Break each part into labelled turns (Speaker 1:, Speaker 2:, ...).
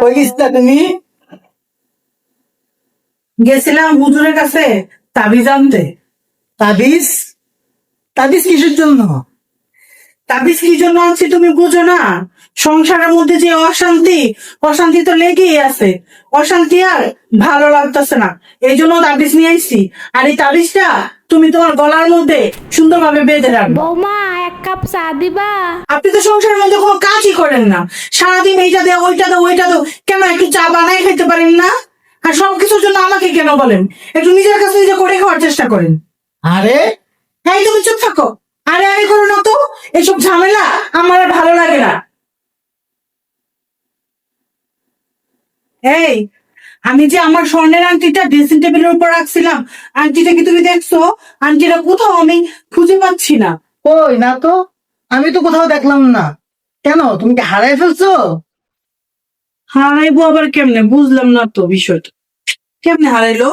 Speaker 1: কই গেছিলা তুমি?
Speaker 2: গেছিলাম হুজুরের কাছে তাবিজ আনতে।
Speaker 1: তাবিজ? তাবিজ কিসের জন্য?
Speaker 2: তাবিজ কি জন্য আনছি তুমি বুঝো না? সংসারের মধ্যে যে অশান্তি, অশান্তি তো লেগেই আছে। অশান্তি আর ভালো লাগতেছে না, এই জন্য তাবিজ নিয়ে আইছি। আর এই তাবিজটা তুমি তোমার গলার মধ্যে সুন্দরভাবে বেঁধে রাখবে।
Speaker 3: বৌমা, এক কাপ চা দিবা?
Speaker 2: আপনি তো সংসারের মধ্যে কোনো কাজই করেন না, সারাদিন এইটা দেও ওইটা দেও ওইটা দেও, কেন একটু চা বানাই খেতে পারেন না? আর সবকিছুর জন্য আমাকে কেন বলেন? একটু নিজের কাছে নিজে করে খাওয়ার চেষ্টা করেন।
Speaker 1: আরে
Speaker 2: এই তুমি চুপ থাকো। আরে আরে করো না তো, এসব ঝামেলা আমার আর ভালো লাগে না। এই, আমি যে আমার স্বর্ণের আংটিটা ড্রেসিং টেবিলের উপর রাখছিলাম, আংটিটা কি তুমি দেখছো? আংটিটা কোথাও আমি খুঁজে পাচ্ছি না।
Speaker 1: কই না তো, আমি তো কোথাও দেখলাম না। কেন, তুমি কি হারাই ফেলছো?
Speaker 2: হারাইবো আবার কেমনে, বুঝলাম না তো বিষয়টা। কেমনে হারাইলো?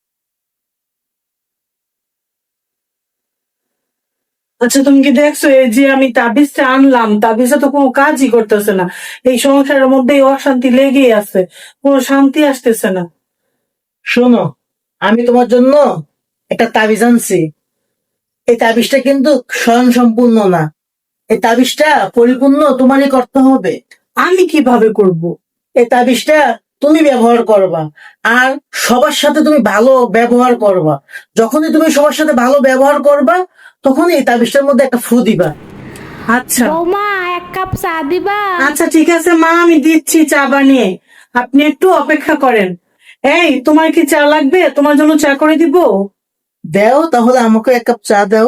Speaker 2: আচ্ছা তুমি কি দেখছো এই যে আমি তাবিজটা আনলাম, তাবিজটা তো কোনো কাজই করতেছে না। এই সংসারের মধ্যে এই অশান্তি লেগেই আছে, কোনো শান্তি আসতেছে না।
Speaker 1: শোনো, আমি তোমার জন্য একটা তাবিজ আনছি। এই তাবিজটা কিন্তু স্বয়ং সম্পূর্ণ না। এই তাবিজটা পরিপূর্ণ তোমারই করতে হবে।
Speaker 2: আমি কিভাবে করব?
Speaker 1: এই তাবিজটা তুমি ব্যবহার করবা, আর সবার সাথে তুমি ভালো ব্যবহার করবা। যখনই তুমি সবার সাথে ভালো ব্যবহার করবা, তখনই এই তাবিজটার মধ্যে একটা ফু দিবা।
Speaker 2: আচ্ছা
Speaker 3: বৌমা, এক কাপ চা দিবা?
Speaker 2: আচ্ছা ঠিক আছে মা, আমি দিচ্ছি চা বানিয়ে, আপনি একটু অপেক্ষা করেন। এই, তোমার কি চা লাগবে? তোমার জন্য চা করে দিব।
Speaker 1: দাও তাহলে, আমাকে এক কাপ চা দাও।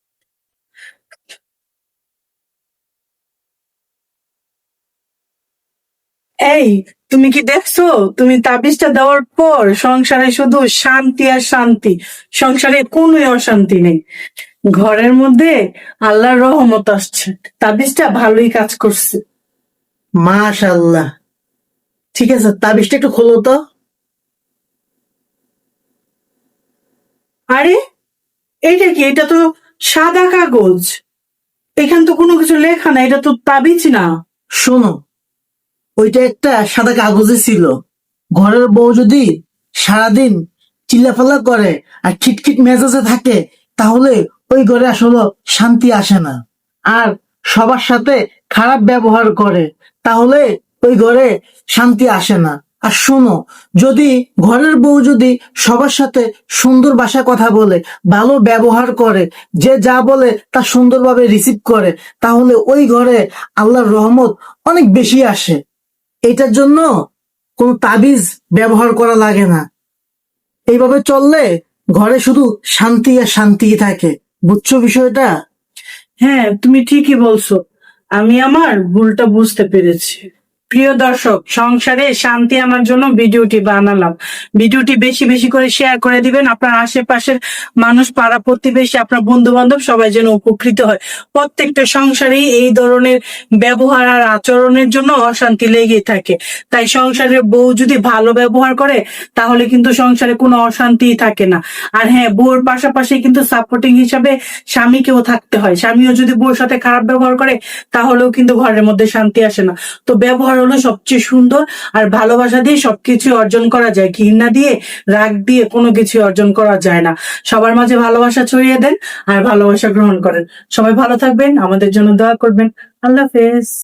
Speaker 2: এই, তুমি কি দেখছো? তুমি তাবিজটা দেওয়ার পর সংসারে শুধু শান্তি আর শান্তি, সংসারে কোনো অশান্তি নেই। ঘরের মধ্যে আল্লাহর রহমত আসছে, তাবিজটা ভালোই কাজ করছে।
Speaker 1: মাশাআল্লাহ। ঠিক আছে, তাবিজটা একটু খোলো তো।
Speaker 2: আরে এইটা কি? এটা তো সাদা কাগজ, এখান তো কোনো কিছু লেখা না, এটা তো তাবিজ না।
Speaker 1: শোনো, ওইটা একটা সাদা কাগজে ছিল। ঘরের বউ যদি সারাদিন চিল্লাফাল্লা করে আর খিটখিট মেজাজে থাকে, তাহলে ওই ঘরে আসলে শান্তি আসে না। আর সবার সাথে খারাপ ব্যবহার করে, তাহলে ওই ঘরে শান্তি আসে না। আর শোনো, যদি ঘরের বউ যদি সবার সাথে সুন্দর ভাষায় কথা বলে, ভালো ব্যবহার করে, যে যা বলে তা সুন্দরভাবে রিসিভ করে, তাহলে ওই ঘরে আল্লাহর রহমত অনেক বেশি আসে। এটার জন্য কোনো তাবিজ ব্যবহার করা লাগে না। এইভাবে চললে ঘরে শুধু শান্তি আর শান্তি থাকে। বুঝছো বিষয়টা?
Speaker 2: হ্যাঁ, তুমি ঠিকই বলছো, আমি আমার ভুলটা বুঝতে পেরেছি। প্রিয় দর্শক, সংসারে শান্তি আনার জন্য ভিডিওটি বানালাম। ভিডিওটি বেশি বেশি করে শেয়ার করে দিবেন, আপনার আশেপাশের মানুষ, পাড়া প্রতিবেশী, আপনার বন্ধু বান্ধব সবাই যেন উপকৃত হয়। প্রত্যেকটা সংসারেই এই ধরনের ব্যবহার আর আচরণের জন্য অশান্তি লেগেই থাকে। তাই সংসারের বউ যদি ভালো ব্যবহার করে, তাহলে কিন্তু সংসারে কোনো অশান্তি থাকে না। আর হ্যাঁ, বউর পাশাপাশি কিন্তু সাপোর্টিং হিসাবে স্বামীকেও থাকতে হয়। স্বামীও যদি বউর সাথে খারাপ ব্যবহার করে, তাহলেও কিন্তু ঘরের মধ্যে শান্তি আসে না। তো ব্যবহার হলো সবচেয়ে সুন্দর, আর ভালোবাসা দিয়ে সবকিছু অর্জন করা যায়, ঘৃণা দিয়ে, রাগ দিয়ে কোনো কিছু অর্জন করা যায় না। সবার মাঝে ভালোবাসা ছড়িয়ে দেন আর ভালোবাসা গ্রহণ করেন। সবাই ভালো থাকবেন, আমাদের জন্য দোয়া করবেন। আল্লাহ হাফেজ।